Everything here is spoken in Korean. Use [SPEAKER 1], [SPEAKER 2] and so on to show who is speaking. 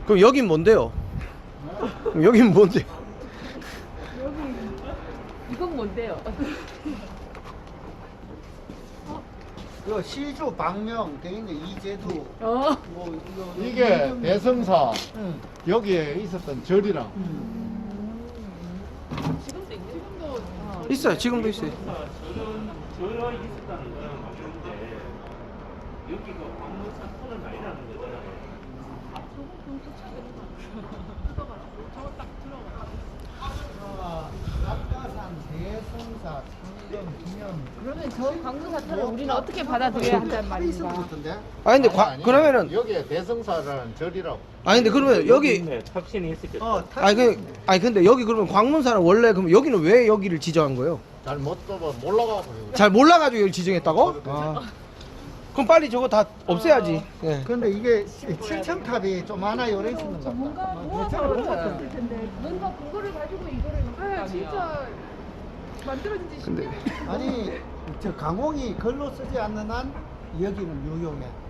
[SPEAKER 1] 그럼 여긴 뭔데요? 그럼 여긴 뭔데?
[SPEAKER 2] 이건 뭔데요?
[SPEAKER 3] 그 시주 방명 돼 있는 이제도
[SPEAKER 2] 어.
[SPEAKER 3] 뭐 이거
[SPEAKER 4] 이게 대성사
[SPEAKER 3] 응.
[SPEAKER 4] 여기에 있었던 절이랑
[SPEAKER 2] 지금도 있네. 지금도
[SPEAKER 1] 있어요. 지금도 있어요.
[SPEAKER 5] 저런 있었다는 거는 맞는데 여기 그 광문사 톤을 많이 나는 거잖아요.
[SPEAKER 3] 낙가산 대성사 창경 기념
[SPEAKER 2] 그러면 저 광문사태를 우리는 어떻게 받아들여야 한단 말인가?
[SPEAKER 3] 같은데?
[SPEAKER 1] 아니 근데 그러면은
[SPEAKER 4] 여기에 대성사라는 절이라고.
[SPEAKER 1] 아니 근데 그러면 여기
[SPEAKER 5] 있네. 탑신이 있었겠다.
[SPEAKER 1] 아니 근데 여기 그러면 광문사는 원래 그럼 여기는 왜 여기를 지정한 거예요?
[SPEAKER 4] 잘 못 떠봐 몰라가고
[SPEAKER 1] 잘 몰라가지고 여기 지정했다고? 아. 그럼 빨리 저거 다 없애야지. 예.
[SPEAKER 3] 근데 이게 칠천탑이 좀 하나 요래 있는 것
[SPEAKER 2] 뭔가
[SPEAKER 3] 같다.
[SPEAKER 2] 모아서 만들었을 텐데 뭔가 근거를 가지고 이거를 네, 진짜 만들어진 지
[SPEAKER 1] 근데
[SPEAKER 2] 10년
[SPEAKER 3] 아니 저 강홍이 글로 쓰지 않는 한 여기는 유용해.